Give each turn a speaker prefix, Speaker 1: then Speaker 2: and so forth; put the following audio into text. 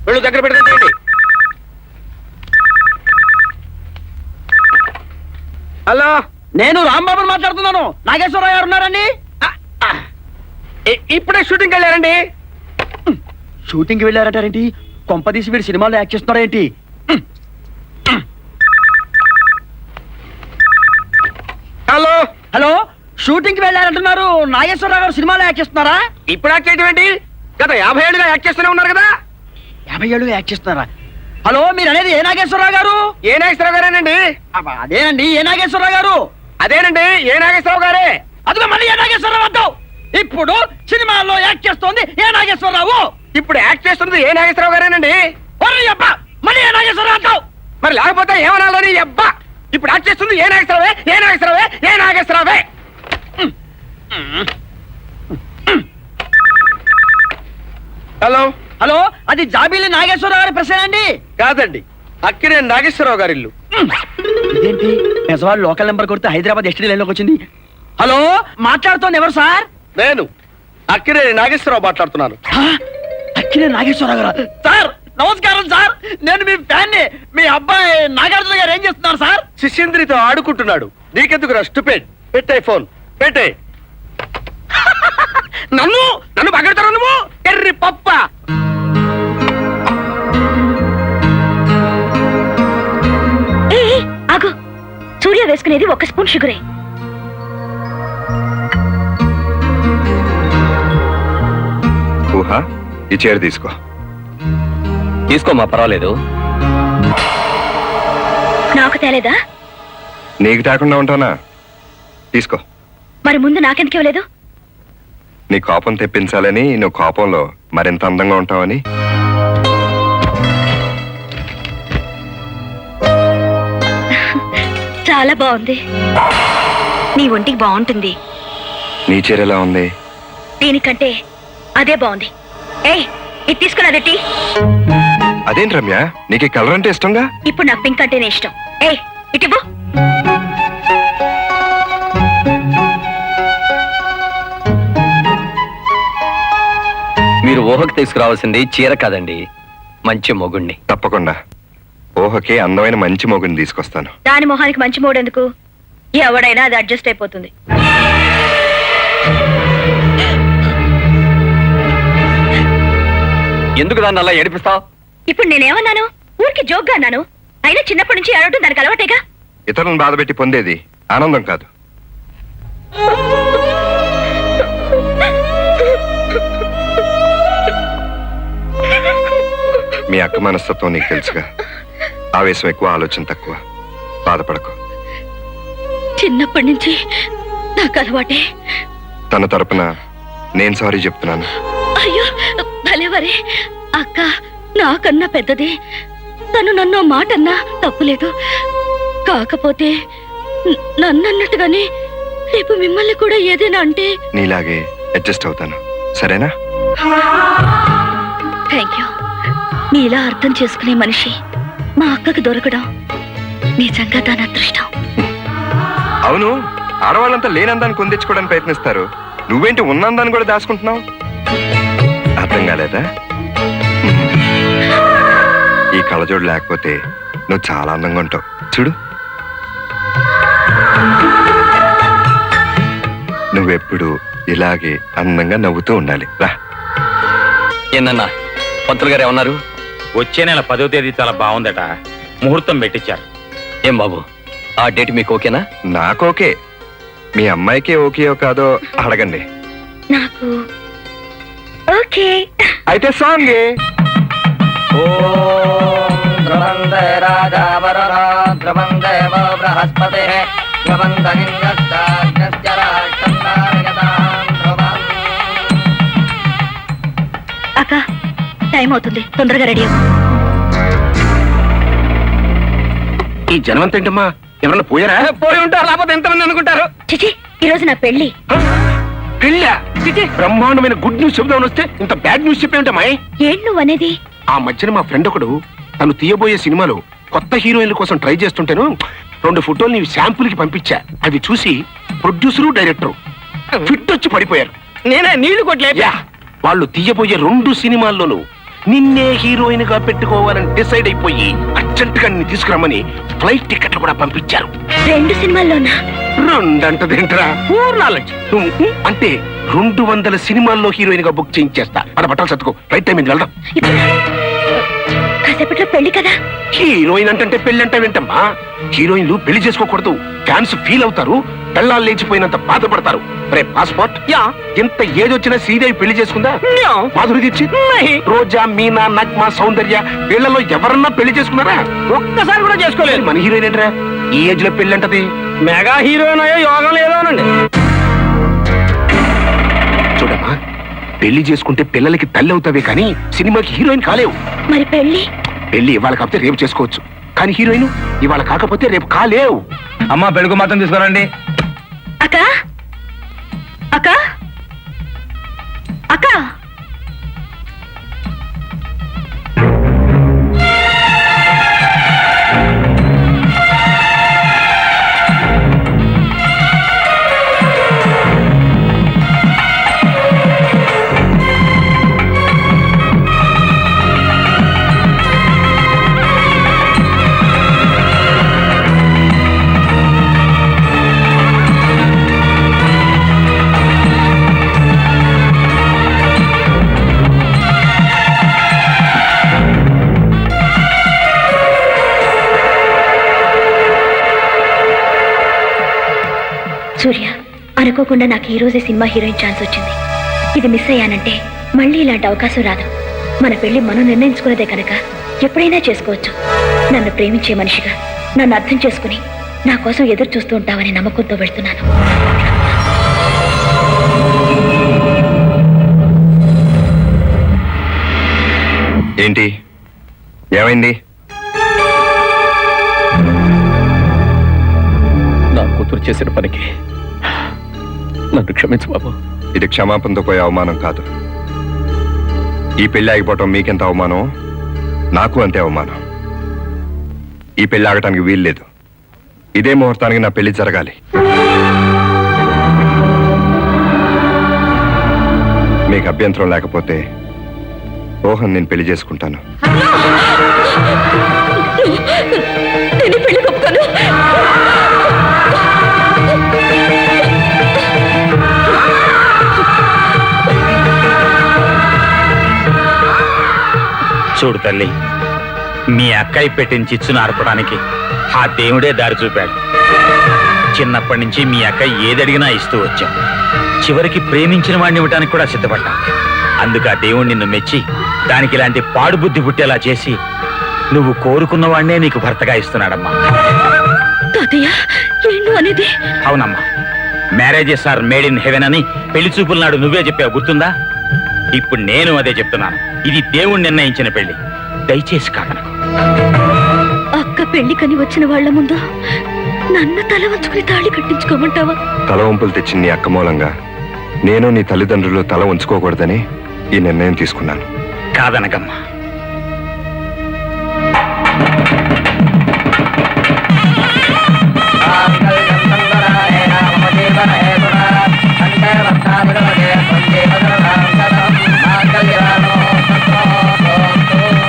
Speaker 1: వెళ్ళు దగ్గర పెట్టుకోండి. హలో,
Speaker 2: నేను రాంబాబుని మాట్లాడుతున్నాను. నాగేశ్వరరావు గారు ఉన్నారండి?
Speaker 1: ఇప్పుడే షూటింగ్కి వెళ్ళారండి.
Speaker 2: షూటింగ్కి వెళ్ళారంటారేంటి? కొంపదీసి వీడు సినిమాలో యాక్ట్ చేస్తున్నారేంటి?
Speaker 1: హలో
Speaker 2: హలో, షూటింగ్కి వెళ్ళారంటున్నారు. నాగేశ్వరరావు గారు సినిమాలో యాక్ట్ చేస్తున్నారా?
Speaker 1: ఇప్పుడు యాక్ట్ చేయడం ఏంటి? గత 50 ఏళ్ళుగా యాక్ట్ చేస్తూనే ఉన్నారు కదా.
Speaker 2: 50 ఏళ్ళు యాక్ట్ చేస్తున్నారా? హలో, మీరు అనేది ఏ నాగేశ్వరరావు గారు?
Speaker 1: ఏ నాగేశ్వరరావు గారేనండి?
Speaker 2: అదేనండి, ఏ నాగేశ్వరరావు గారు?
Speaker 1: అదేనండి, ఏ నాగేశ్వరరావు గారే.
Speaker 2: అదిగో మళ్ళీ ఏ నాగేశ్వరరావు అంటావు. ఇప్పుడు సినిమాల్లో యాక్ట్ చేస్తోంది ఏ నాగేశ్వరరావు.
Speaker 1: ఇప్పుడు యాక్ట్ చేస్తున్నది ఏ నాగేశ్వరరావు గారేనండి.
Speaker 2: అబ్బా, మళ్ళీ ఏ నాగేశ్వరరావు అంటావు.
Speaker 1: మరి లేకపోతే ఏమనాలని అబ్బా. ఇప్పుడు యాక్ట్ చేస్తుంది ఏ నాగేశ్వరరావే, ఏ నాగేశ్వరరావే, ఏ నాగేశ్వరరావే. హలో
Speaker 2: హలో, అది జాబీలి నాగేశ్వరరావు గారి ప్రశ్న అండి?
Speaker 1: కాదండి, అక్కినే నాగేశ్వరరావు గారి ఇల్లు.
Speaker 2: ఇదేంటి, నిజవాళ్ళు లోకల్ నెంబర్ కొడితే హైదరాబాద్ ఎస్టీ లైన్లోకి వచ్చింది. హలో, మాట్లాడుతోంది ఎవరు సార్?
Speaker 1: నేను అక్కినే నాగేశ్వరరావు మాట్లాడుతున్నాను.
Speaker 2: అక్కినే నాగేశ్వరరావు గారు? సార్ నమస్కారం సార్, నేను మీ ఫ్యాన్ని. మీ అబ్బాయి నాగార్జున గారు ఏం చేస్తున్నారు సార్?
Speaker 1: శిష్యంద్రితో ఆడుకుంటున్నాడు. నీకెందుకు రా స్టూపిడ్? పెట్టే ఫోన్ పెట్టే. నన్ను నన్ను పగడతారు నువ్వు ఎర్రి పప్ప.
Speaker 3: ఆగు, సూర్య వేసుకునేది 1 స్పూన్ షుగరే.
Speaker 4: ఊహా, ఈ చీర తీసుకో.
Speaker 5: తీసుకోమా, పర్వాలేదు.
Speaker 3: నాకు తేలేదా?
Speaker 4: నీకు తాకుండా ఉంటానా? తీసుకో.
Speaker 3: మరి ముందు నాకెందుకు ఇవ్వలేదు?
Speaker 4: నీ కోపం తెప్పించాలని, నువ్వు కోపంలో మరింత అందంగా ఉంటావని.
Speaker 3: చాలా బాగుంది. నీ ఒంటికి బాగుంటుంది.
Speaker 4: నీ చీర ఎలా ఉంది?
Speaker 3: దీనికంటే అదే బాగుంది. ఏయ్, ఇది తీసుకుని అదెట్టి.
Speaker 4: అదేంటి రమ్య, నీకు ఈ కలర్ అంటే ఇష్టంగా?
Speaker 3: ఇప్పుడు నాకు పింక్ అంటేనే ఇష్టం. ఏయ్, ఇటు.
Speaker 5: మీరు ఊహకు తీసుకురావాల్సింది చీర కాదండి, మంచి మొగుణ్ణి.
Speaker 4: తప్పకుండా ఊహకి అందమైన మంచి మొగుని తీసుకొస్తాను.
Speaker 3: దాని మొహానికి మంచి మూడెందుకు? ఎవడైనా అది అడ్జస్ట్ అయిపోతుంది.
Speaker 5: ఎందుకు దాన్ని అలా ఏడిపిస్తావు?
Speaker 3: ఇప్పుడు నేనేమన్నాను? ఊరికి జోక్గా అన్నాను. అయినా చిన్నప్పటి నుంచి అడగటం దానికి అలవాటేగా.
Speaker 4: ఇతరులను బాధపెట్టి పొందేది ఆనందం కాదు. మీ అక్క మనస్తత్వం నీకు తెలుసుగా. ఆవేశం ఎక్కువ, ఆలోచన తక్కువ. బాధపడకు.
Speaker 3: చిన్నప్పటి నుంచి నాకు అలవాటే.
Speaker 4: తన తరపున నేను సారీ చెప్తున్నాను.
Speaker 3: అయ్యో భలేవరే, అక్క నాకన్నా పెద్దది. తను నన్ను మాట అన్నా తప్పులేదు. కాకపోతే నన్నట్టుగానే రేపు మిమ్మల్ని కూడా ఏదైనా అంటే
Speaker 4: నీలాగే అడ్జస్ట్ అవుతాను, సరేనా?
Speaker 3: Thank you. మీలా అర్థం చేసుకునే మనిషి మా అక్కకు దొరకడం నిజంగా దాని అదృష్టం.
Speaker 4: అవును, ఆడవాళ్ళంతా లేనందాన్ని కొందించుకోవడానికి ప్రయత్నిస్తారు. నువ్వేంటి ఉన్నందాన్ని కూడా దాచుకుంటున్నావు? అర్థం కాలేదా? ఈ కళ్ళజోడు లేకపోతే నువ్వు చాలా అందంగా ఉంటావు. చూడు, నువ్వెప్పుడు ఇలాగే అందంగా నవ్వుతూ ఉండాలి. రా.
Speaker 5: ఏనన్నా, పంతులు గారు ఏమన్నారు?
Speaker 6: వచ్చే నెల 10వ తేదీ చాలా బాగుందట, ముహూర్తం పెట్టించారు.
Speaker 5: ఏం బాబు, ఆ డేట్ మీకు ఓకేనా?
Speaker 4: నాకు ఓకే. మీ అమ్మాయికి ఓకేయో కాదో అడగండి.
Speaker 3: నాకు ఓకే.
Speaker 4: అయితే సాంగ్.
Speaker 3: అక్క, టైం అవుతుంది, తొందరగా రెడీ అవ్వు.
Speaker 1: ఈ జనవంతేంటమ్మా, ఎవరన్నా పోయారా? పోయి ఉంటారు, లేకపోతే ఎంతమంది అనుకుంటారు.
Speaker 3: చిచి, ఈ రోజు నా పెళ్లి.
Speaker 1: పెళ్ళా? బ్రహ్మాండమైన గుడ్ న్యూస్ చెబుదామని వస్తే ఇంత బ్యాడ్ న్యూస్ చెప్పేంటమ్మాయి?
Speaker 3: ఏంటి నువ్వు అనేది?
Speaker 1: ఆ మధ్యన మా ఫ్రెండ్ ఒకడు తను తీయబోయే సినిమాలో కొత్త హీరోయిన్ల కోసం ట్రై చేస్తుంటేను 2 ఫోటోలు నీ శాంపుల్ కి పంపించా. అవి చూసి ప్రొడ్యూసరు, డైరెక్టరు ఫిట్ వచ్చి పడిపోయారు.
Speaker 2: నేనే నీళ్లు కొట్లే.
Speaker 1: వాళ్ళు తీయబోయే 2 సినిమాల్లోనూ నిన్నే హీరోయిన్ గా పెట్టుకోవాలని డిసైడ్ అయిపోయి అర్జెంట్ గా నిన్ను తీసుకురమ్మని ఫ్లైట్ టికెట్లు కూడా పంపించారు.
Speaker 3: 2 సినిమాల్లోనా?
Speaker 1: రెండంటదేంట్రా? అంటే 200 సినిమాల్లో హీరోయిన్ గా బుక్ చేయించేస్తా. మన బట్టలు సర్దుకో, రైట్ టైం వెళ్దాం.
Speaker 3: ఇప్పుడు కాసేపట్లో పెళ్లి కదా.
Speaker 1: హీరోయిన్ అంటే పెళ్లి అంటే వింటమ్మా. హీరోయిన్లు పెళ్లి చేసుకోకూడదు. ఫ్యాన్స్ ఫీల్ అవుతారు, పెళ్ళాలు లేచిపోయినంత బాధపడతారు. రే పాస్పోర్ట్, ఎంత ఏజ్ వచ్చినా శ్రీదేవి పెళ్లి చేసుకుందా? మాధురి దీక్షిత్, రోజా, మీనా, నగ్మా, సౌందర్య వీళ్ళలో ఎవరన్నా పెళ్లి చేసుకున్నారా?
Speaker 2: ఒక్కసారి కూడా చేసుకోలేదు.
Speaker 1: మన హీరోయిన్ ఏంట్రా ఈ ఏజ్ లో పెళ్లి అంటది?
Speaker 2: మెగా హీరోయిన్ అయ్యో యోగం లేదోనండి.
Speaker 1: చూడమ్మా, పెళ్లి చేసుకుంటే పిల్లలకి తల్లి అవుతావే కానీ సినిమాకి హీరోయిన్ కాలేవు.
Speaker 3: మరి పెళ్లి?
Speaker 1: పెళ్లి ఇవాళ కాకపోతే రేపు చేసుకోవచ్చు, కానీ హీరోయిన్ ఇవాళ కాకపోతే రేపు కాలేవు.
Speaker 2: అమ్మా పెళ్లికి మాత్రం తీసుకురండి.
Speaker 3: అక్క అక్క అక్క సూర్య, అనుకోకుండా నాకు ఈ రోజే సినిమా హీరోయిన్ ఛాన్స్ వచ్చింది. ఇది మిస్ అయ్యానంటే మళ్ళీ ఇలాంటి అవకాశం రాదు. మన పెళ్లి మనం నిర్ణయించుకున్నదే కనుక ఎప్పుడైనా చేసుకోవచ్చు. నన్ను ప్రేమించే మనిషిగా నన్ను అర్థం చేసుకుని నా కోసం ఎదురు చూస్తూ ఉంటావని నమ్మకంతో వెళ్తున్నాను.
Speaker 4: ఏంటి ఏమైంది?
Speaker 5: నా కూతురు చేసిన పనికి నన్ను క్షమించు బాబు.
Speaker 4: ఇది క్షమాపణతో పోయే అవమానం కాదు. ఈ పెళ్లి ఆగిపోవటం మీకెంత అవమానం, నాకు అంతే అవమానం. ఈ పెళ్లి ఆగటానికి వీల్లేదు. ఇదే ముహూర్తానికి నా పెళ్లి జరగాలి. మీకు అభ్యంతరం లేకపోతే రోహన్ నేను పెళ్లి చేసుకుంటాను.
Speaker 6: చూడు తల్లి, మీ అక్కయ్య పెట్టిన చిచ్చును ఆర్పడానికి ఆ దేవుడే దారి చూపాడు. చిన్నప్పటి నుంచి మీ అక్కయ్య ఏదడిగినా ఇస్తూ వచ్చాం. చివరికి ప్రేమించిన వాడిని ఇవ్వడానికి కూడా సిద్ధపడ్డా. అందుకు ఆ దేవుడు నిన్ను మెచ్చి దానికి ఇలాంటి పాడుబుద్ధి పుట్టేలా చేసి నువ్వు కోరుకున్న వాడినే నీకు భర్తగా ఇస్తున్నాడమ్మా. అవునమ్మా, marriages are made in heaven అని పెళ్లి చూపుల నాడు నువ్వే చెప్పావు, గుర్తుందా? ఇప్పుడు నేను అదే చెప్తున్నాను. ఇది దేవుడు నిర్ణయించిన పెళ్లి, దయచేసి కాదనకు.
Speaker 3: అక్క పెళ్లికని వచ్చిన వాళ్ళ ముందు నన్ను తల వంచుకుని తాళి కట్టించుకోమంటావా?
Speaker 4: తల వంపులు తెచ్చిన నీ అక్క మూలంగా నేను నీ తల్లిదండ్రులు తల ఉంచుకోకూడదని ఈ నిర్ణయం తీసుకున్నాను.
Speaker 6: కాదనకమ్మా,